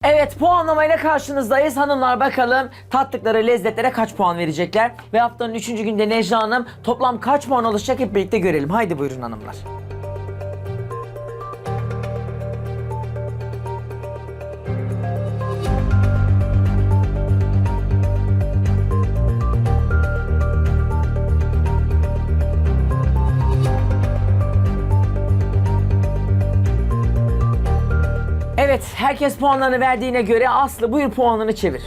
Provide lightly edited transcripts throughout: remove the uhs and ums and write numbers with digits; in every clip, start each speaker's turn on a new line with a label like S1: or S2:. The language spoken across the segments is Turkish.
S1: Evet, puanlamayla karşınızdayız. Hanımlar bakalım tattıkları lezzetlere kaç puan verecekler? Ve haftanın 3. günde Necla Hanım toplam kaç puan alacak hep birlikte görelim. Haydi buyurun hanımlar. Evet, herkes puanlarını verdiğine göre Aslı buyur puanını çevir.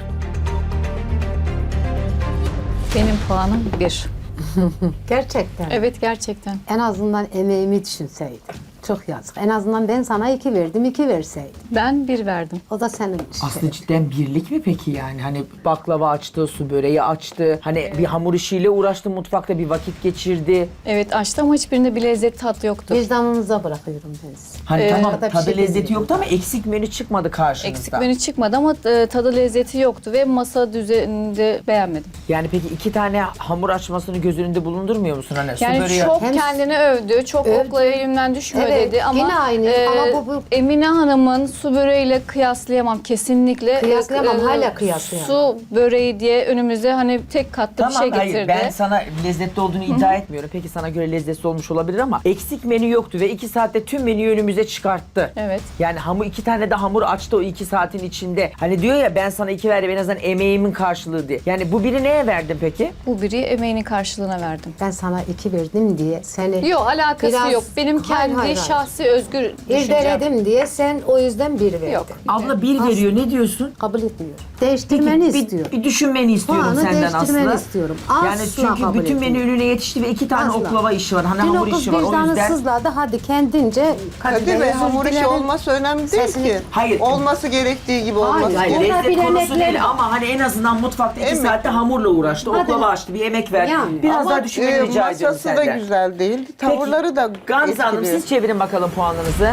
S2: Benim puanım 1.
S3: Gerçekten.
S2: Evet, gerçekten.
S3: En azından emeğimi düşünseydim. Çok yazık. En azından ben sana 2 verdim, 2 verseydim.
S2: Ben 1 verdim.
S3: O da senin
S1: Aslı cidden birlik mi peki yani? Hani baklava açtı, su böreği açtı. Hani bir hamur işiyle uğraştı, mutfakta bir vakit geçirdi.
S2: Evet, açtı ama hiçbirinde bir lezzet tat yoktu.
S3: Vicdanınıza bırakıyorum ben sizi.
S1: Hani tamam
S3: da bir
S1: tadı
S3: şey
S1: lezzeti
S3: demiyorum.
S1: yoktu ama eksik menü çıkmadı karşınızda.
S2: Eksik menü çıkmadı ama tadı lezzeti yoktu ve masa düzeninde beğenmedim.
S1: Yani peki 2 tane hamur açmasını göz önünde bulundurmuyor musun? Hani su
S2: Yani
S1: böreği...
S2: çok
S3: Hem-
S2: kendini övdü, çok
S3: Övdü.
S2: okla elimden düşmüyor
S3: Evet,
S2: dedi ama
S3: yine aynı ama bu-
S2: Emine Hanım'ın su böreğiyle kıyaslayamam kesinlikle.
S3: Kıyaslayamam, hala kıyaslayamam.
S2: Su böreği diye önümüze hani tek katlı bir şey getirdi.
S1: Hayır ben sana lezzetli olduğunu iddia etmiyorum. Peki sana göre lezzetli olmuş olabilir ama eksik menü yoktu ve 2 saatte tüm menüyü önümüze çıkarttı.
S2: Evet.
S1: Yani 2 tane de hamur açtı o 2 saatin içinde. Hani diyor ya ben sana 2 verdim en azından emeğimin karşılığı diye. Yani bu biri neye verdin peki?
S2: Bu biri emeğinin karşılığına verdim.
S3: Ben sana 2 verdim diye seni
S2: Yok, alakası
S3: Biraz-
S2: yok. Benim
S3: Hayır,
S2: kendi
S3: hayır, hayır.
S2: şahsi özgür düşüncem.
S3: irdeledim diye sen o yüzden 1 verdin.
S2: Yok.
S1: Abla 1 veriyor ne diyorsun?
S3: Kabul etmiyorum. Değiştirmeni
S1: bir,
S3: istiyorum.
S1: bir düşünmeni istiyorum
S3: Puanı
S1: senden
S3: değiştirmeni
S1: Aslı.
S3: istiyorum.
S1: Yani
S3: Asla
S1: çünkü
S3: kabul
S1: bütün menü
S3: etmiyorum.
S1: önüne yetişti ve 2 tane
S3: Asla.
S1: oklava işi var. Hani
S3: Dün o
S1: hamur
S3: kız
S1: işi var o
S3: vicdanı
S1: yüzden.
S3: sızladı. Hadi kendince
S4: Kadir Bey,
S3: özür
S4: hamur işi
S3: dilerim.
S4: olması önemli değil
S3: Sesini-
S4: ki.
S1: Hayır.
S4: Olması gerektiği gibi olması
S1: Hayır,
S3: Orada
S4: gerekiyor.
S1: lezzet konusu
S3: bilenekler
S1: değil
S3: var.
S1: ama hani en azından mutfakta 2
S4: Emek.
S1: saatte hamurla uğraştı.
S3: Hadi.
S1: Oklava açtı, bir emek verdi.
S3: Yani.
S1: Biraz
S4: Ama
S1: daha düşünmeni rica ediyorum
S4: masası da
S1: senden.
S4: güzel değil. Tavırları da
S1: Gamze Hanım
S4: etkili.
S1: siz çevirin bakalım puanınızı.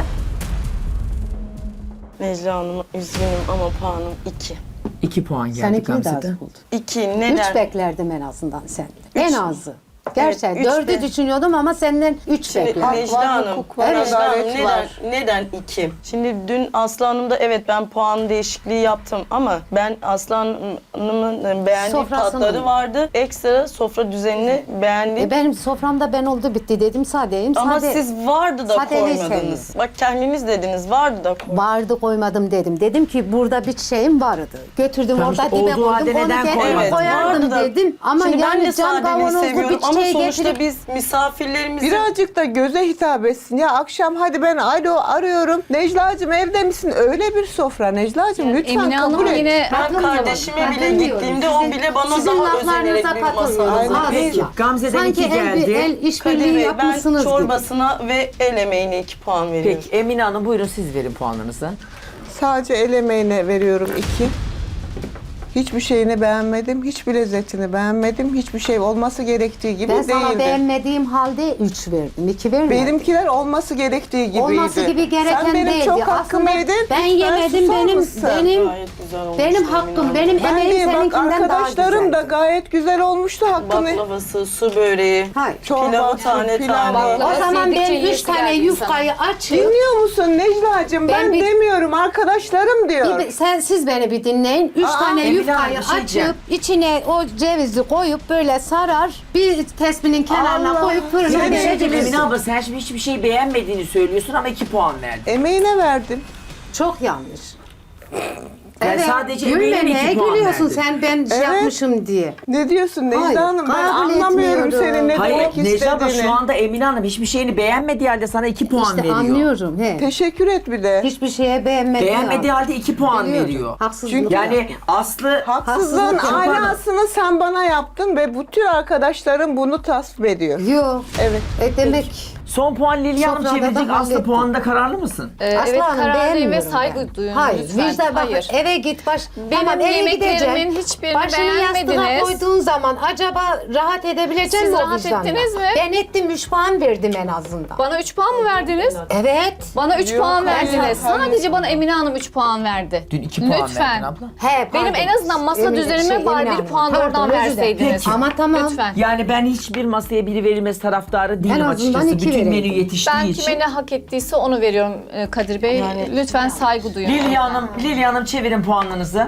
S5: Necla Hanım üzgünüm ama puanım 2.
S1: 2 puan geldi
S3: Sen 2'yi de
S1: Gamze'de.
S3: az buldun.
S5: 2
S3: 3
S5: neden?
S3: beklerdim en azından senden. En azı. Gerçekten
S5: üç
S3: 4'ü
S5: de-
S3: düşünüyordum ama senden 3
S5: Şimdi
S3: beklerdim.
S5: Necla Hanım,
S4: hukuk var,
S5: Necla Hanım
S4: adalet
S5: neden,
S4: var.
S5: neden 2? Şimdi dün Aslı Hanım'da evet ben puan değişikliği yaptım ama ben Aslı Hanım'ın beğendiği
S3: Sofrasını
S5: tatları
S3: mı?
S5: vardı. Ekstra sofra düzenini beğendiğim.
S3: Benim soframda ben oldu bitti dedim sadeyim.
S5: Ama
S3: Sade,
S5: siz vardı da
S3: sadeliği
S5: koymadınız.
S3: seviyorum.
S5: Bak kendiniz dediniz vardı da koymadınız.
S3: vardı koymadım dedim. Dedim ki burada bir şeyim vardı. Götürdüm
S1: Tamam
S3: orada
S1: işte
S3: dibe
S1: olduğu halde
S3: koydum. Onu
S1: neden
S3: kendime
S1: koymadın?
S3: koyardım
S5: vardı da-
S3: dedim. Ama
S5: Şimdi ben
S3: yani
S5: de
S3: cam
S5: sadeliği
S3: kavanozlu
S5: seviyorum
S3: bir
S5: ama
S3: şey
S5: sonuçta
S3: getirip
S5: biz misafirlerimizi...
S4: Birazcık da göze hitap etsin. Ya akşam hadi ben alo arıyorum. Necla'cığım evde misin? Öyle bir sofra Necla'cığım lütfen
S2: Emine
S4: kabul
S2: Hanım
S4: et.
S2: yine
S5: Ben
S3: Katılmıyorum.
S5: kardeşime bile
S3: Katılmıyorum.
S5: gittiğimde o bile bana
S3: sizin
S5: daha özenerek
S3: laflarınıza
S5: bir masa
S3: katılmıyorum.
S5: hazırladı.
S3: Asla.
S1: Peki, Gamze'den
S3: Sanki
S1: 2
S3: el,
S1: geldi.
S3: el
S5: Kadir
S3: işbirliği
S5: Bey ben
S3: yapmışsınız gibi.
S5: çorbasına ve el emeğine 2 puan veriyorum.
S1: Peki Emine Hanım buyurun siz verin puanlarınızı.
S4: Sadece el emeğine veriyorum 2. Hiçbir şeyini beğenmedim. Hiçbir lezzetini beğenmedim. Hiçbir şey olması gerektiği gibi
S3: Ben sana
S4: değildi.
S3: beğenmediğim halde 3 verdim. 2 vermedim.
S4: Benimkiler olması gerektiği gibiydi.
S3: Olması gibi gereken
S4: Sen benim
S3: değildi.
S4: çok hakkımı
S3: Aslında
S4: yedin.
S3: ben
S4: Lütfen
S3: yemedim,
S4: susar
S3: benim
S4: mısın?
S5: Gayet güzel olmuş.
S3: benim
S5: Emine
S3: hakkım,
S5: Hanım.
S3: benim
S4: Ben
S3: emeğim
S4: değil bak
S3: seninkinden daha
S4: arkadaşlarım
S3: güzel.
S4: da gayet güzel olmuştu hakkını.
S5: Baklavası, su böreği,
S3: Hayır.
S5: pilavı
S4: Çorbası,
S5: tane
S4: pilavı.
S5: tane.
S3: O zaman
S2: Yedikçe
S3: ben 3
S2: yiyesi
S3: tane
S2: geldi
S3: yufkayı açıp
S4: Dinliyor musun Necla'cığım? Ben demiyorum arkadaşlarım diyor.
S3: siz beni bir dinleyin. 3 tane
S1: Emine
S3: yufkayı
S1: Hanım, bir şey diyeceğim.
S3: açıp içine o cevizi koyup böyle sarar. Bir tespinin kenarına
S4: Allah.
S3: koyup fırına
S4: Yani
S1: Emine
S3: pişirebilirsin.
S1: abla sen şimdi hiçbir şey beğenmediğini söylüyorsun ama 2 puan verdin.
S4: Emeğine verdim.
S3: Çok yanlış.
S1: Yani sadece
S3: gülme,
S1: emeğine
S3: neye
S1: 2 puan
S3: gülüyorsun
S1: verdin.
S3: sen ben şey
S4: Evet.
S3: yapmışım diye.
S4: Ne diyorsun Necla
S3: Hayır,
S4: Hanım? Ben
S3: kabul
S4: anlamıyorum
S3: etmiyorum.
S4: senin ne
S1: Hayır
S4: demek
S1: Necla abla
S4: istediğini.
S1: şu anda Emine Hanım hiçbir şeyini beğenmediği halde sana 2 puan
S3: İşte
S1: veriyor.
S3: anlıyorum. He.
S4: Teşekkür et bir de.
S3: Hiçbir şeye beğenmedim.
S1: Beğenmediği halde 2 puan
S3: Biliyorum.
S1: veriyor.
S3: Haksızlık.
S4: Çünkü-
S1: Yani Aslı
S4: Haksızlığın
S3: Haksızlık
S4: alasını sen bana yaptın ve bütün arkadaşlarım bunu tasvip ediyor.
S3: Yok.
S4: Evet.
S3: Demek
S1: son puan Lilya Hanım
S3: Sofrada
S1: çevirecek.
S3: da
S1: Aslı
S3: hallettim.
S1: puanında kararlı mısın?
S3: Aslı
S2: evet,
S3: Hanım
S2: kararlıyım ve
S3: beğenmiyorum
S2: saygı
S3: ben.
S2: duyun
S3: Hayır,
S2: lütfen.
S3: vicdan bak
S2: Hayır.
S3: eve git
S2: Benim
S3: tamam eve
S2: yemeklerimin
S3: gideceksin.
S2: hiçbirini
S3: Başını yastığa
S2: beğenmediniz.
S3: koyduğun zaman acaba rahat edebilecek
S2: Siz
S3: mi o
S2: rahat
S3: vicdanla?
S2: ettiniz mi?
S3: Ben ettim 3 puan verdim en azından.
S2: Bana 3 puan mı verdiniz?
S3: Evet.
S2: Bana 3
S4: Yok,
S2: puan
S4: hayır,
S2: verdiniz.
S4: hayır.
S2: Sadece bana Emine Hanım 3 puan verdi.
S1: Dün 2 puan
S2: Lütfen.
S1: verdin abla.
S3: He,
S2: Benim
S3: pardon.
S2: en azından masa düzenime bari
S3: Emine
S2: bir
S3: Hanım.
S2: puan da
S3: Pardon,
S2: oradan
S3: özür dilerim.
S2: verseydiniz.
S3: Ama tamam.
S2: Lütfen.
S1: Yani ben hiçbir masaya biri verilmesi taraftarı değilim
S3: En azından
S1: açıkçası.
S3: 2
S1: Bütün bir menü
S3: vereydim.
S1: yetiştiği
S2: Ben
S1: için.
S2: kime ne hak ettiyse onu veriyorum Kadir Bey. Lütfen saygı duyun.
S1: Lilya Hanım çevirin puanlarınızı.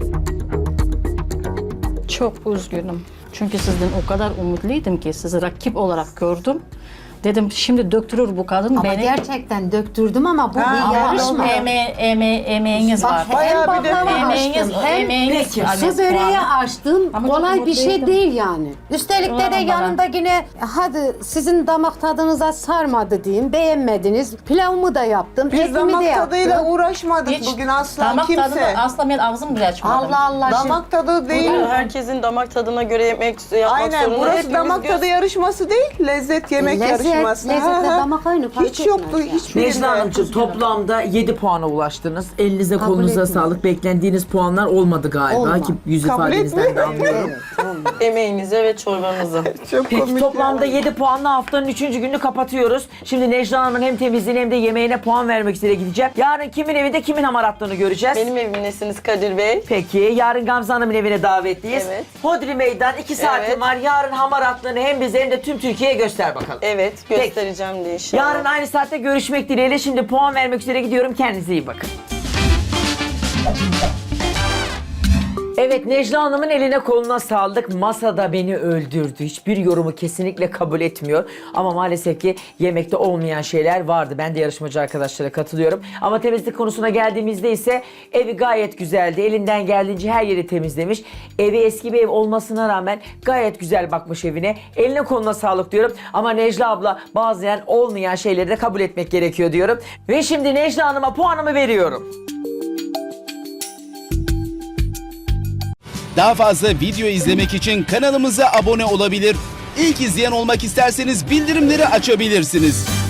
S6: Çok üzgünüm. Çünkü sizden o kadar umutluydum ki sizi rakip olarak gördüm. Dedim şimdi döktürür bu kadın
S3: Ama
S6: beni.
S3: gerçekten döktürdüm ama bu bir
S6: Ama
S3: yarışma.
S6: emeğiniz var.
S3: Bak hem
S4: Bayağı bir de-
S3: baklava
S6: Emeğiniz,
S3: açtım hem
S6: emeğiniz.
S1: Peki.
S6: hani
S3: su böreği
S6: puanı-
S3: açtım.
S6: Ama çok
S3: Kolay bir şey
S6: mutluydum.
S3: değil yani. Üstelik de
S6: Ulan bana.
S3: yanında yine hadi sizin damak tadınıza sarmadı diyeyim. Beğenmediniz. Pilavımı da yaptım.
S4: Biz
S3: Etimi de
S4: damak
S3: yaptım.
S4: tadıyla uğraşmadık
S6: Hiç
S4: bugün asla
S6: damak
S4: kimse.
S6: tadını asla ben ağzım bile açmadım.
S3: Allah Allah.
S4: Damak tadı değil.
S5: Herkesin damak tadına göre yemek yapmak
S4: Aynen,
S5: zorunda.
S4: burası
S5: Hepimiz
S4: damak tadı yarışması değil, lezzet yemek yarışması.
S3: Lezzetle damak aynı fark
S4: Hiç yoktu,
S3: etmez yani.
S4: hiçbirinde.
S1: Necla Hanımcığım toplamda 7 puana ulaştınız. Elinize
S3: Kabul
S1: kolunuza
S3: etmiyorum.
S1: sağlık. Beklendiğiniz puanlar olmadı galiba
S3: Olmadı.
S1: ki yüz
S4: Kabul
S1: ifadenizden de
S4: etmiyorum.
S1: anlıyorum.
S3: Evet, olmaz.
S5: Emeğinize ve çorbanıza.
S4: Çok
S1: Peki
S4: komik.
S1: toplamda 7 puanla haftanın 3. gününü kapatıyoruz. Şimdi Necla Hanım'ın hem temizliğine hem de yemeğine puan vermek üzere gideceğim. Yarın kimin evinde kimin hamaratlarını göreceğiz.
S5: Benim evimdesiniz Kadir Bey.
S1: Peki yarın Gamze Hanım'ın evine davetliyiz.
S5: Evet.
S1: Hodri Meydan 2 saatin
S5: Evet.
S1: var. Yarın hamaratlarını hem bize hem de tüm Türkiye'ye göster bakalım.
S5: Evet,
S1: Peki.
S5: göstereceğim de inşallah.
S1: Yarın aynı saatte görüşmek dileğiyle. Şimdi puan vermek üzere gidiyorum. Kendinize iyi bakın. Evet, Necla Hanım'ın eline koluna sağlık. Masada beni öldürdü. Hiçbir yorumu kesinlikle kabul etmiyor. Ama maalesef ki yemekte olmayan şeyler vardı. Ben de yarışmacı arkadaşlara katılıyorum. Ama temizlik konusuna geldiğimizde ise evi gayet güzeldi. Elinden geldiğince her yeri temizlemiş. Evi eski bir ev olmasına rağmen gayet güzel bakmış evine. Eline koluna sağlık diyorum. Ama Necla abla bazen olmayan şeyleri de kabul etmek gerekiyor diyorum. Ve şimdi Necla Hanım'a puanımı veriyorum.
S7: Daha fazla video izlemek için kanalımıza abone olabilir. İlk izleyen olmak isterseniz bildirimleri açabilirsiniz.